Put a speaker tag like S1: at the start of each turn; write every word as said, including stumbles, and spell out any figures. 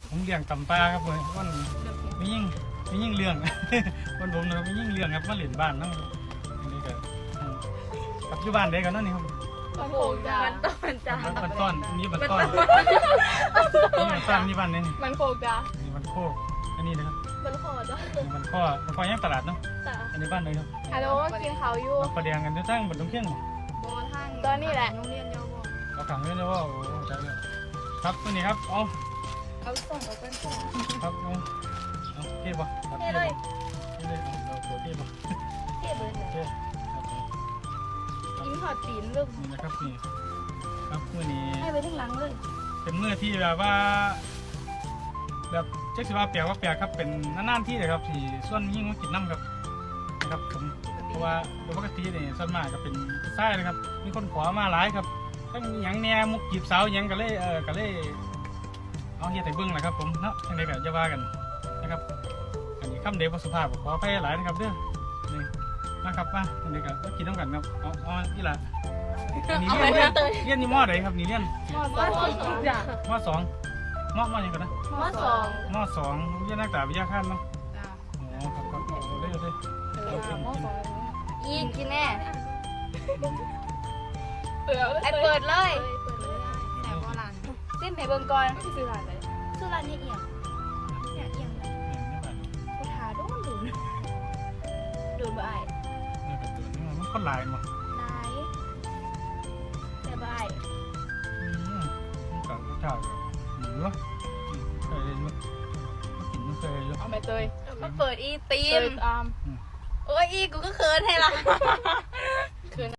S1: ผมเลี้ยงตำปลาครับผมมันไม่ยิ่งไม่ยิ่งเลี้ยงมันผมนะครับไม่ยิ่งเลี้ยงครับมาเล่นบ้านนั่งอันนี้ก็ปัจจุบันเด็กกันนั่นนี่ครับ
S2: มันโผล่จ้ามันต้นจ้า
S1: มันต้อนนี่มันต้อนนี่มันต้อนนี่บ้านนี่
S2: มันโผล่จ้า
S1: นี่มันโคกอันนี้นะครับ
S2: มันโผล่จ้า
S1: นี่มันข้อมันข้อย่างตลาดเนาะ
S2: จ้า
S1: อันนี้บ้านเลยครับ
S2: ฮัลโหลกินข้าวอยู่
S1: เราประเดียงกันทั้งหมดทั้งเที่ยง
S2: บอทางตอนนี้แหละโรงเรียนเยาว
S1: เราขังเลยนะว่าโอ้ใจเลยครับตัวนี้ครับเอา
S2: เอาส่งเอาเป็นส่ง
S1: ครับเอาเอาเทียบป่ะ
S2: เท่เลย
S1: เทียบเลยเราตัวเทียบป่ะ
S2: เท่เบิร์ดเลย
S1: เทียบ
S2: กินหอดตีนลูก
S1: นี่นะครับนี่ครับมื่อนี้
S2: ให้ไปทั้งหลังเลย
S1: เป็นมื่อที่แบบว่า แบบเจ๊สิว่าแปลกว่าแปลกครับเป็นนานๆที่เลยครับที่ส่วนยิ่งมากินน้ำครับนะครับผมเพราะว่าโดยปกติเนี่ยส่วนมากก็เป็นผู้ชายนะครับมีคนขอมาหลายครับทั้งหยังแหน่มุกจีบสาวหยังก็เลยเออก็เลยเอาเฮียแต่เบิ้งแหละครับผมเนาะยังไงก็จะว่ากันนะครับอันนี้คำเดียวสุภาพขอไปหลายนะครับเด้อนี่นะครับมาอันนี้ก็กินน้ำกันครับเอาเอาที่ละนี่เรียนเรียนนี่มอไหนครับนี่เรียน
S2: มอสองจ้าม
S1: อสองมอมอยังกันนะ
S2: มอสอง
S1: มอสองเรียนนักศึกษาวิทยาคารเนาะอ๋อครับครับเอาเลยเอาเลยเอากินกิน
S2: อีกกินแน่ไอเปิดเลยแต่โบราณสิ้นให้เบิ่งก่อนซื้อร้านเลยซื้อร้านนี่เอียงเนี่ยเอียงกูทาโดนดูดูบ่ไอ
S1: นี่เป็นตัวนี้มันคนหลายมั้ง
S2: นายแต่บ่ไอ
S1: อืมมันกับข้าวหมูเนาะเคยเนาะกินไม่เคยเนาะ
S2: เอาไปเตยมาเปิดอีตีมโอ้ยอีกูก็เขินให้ละ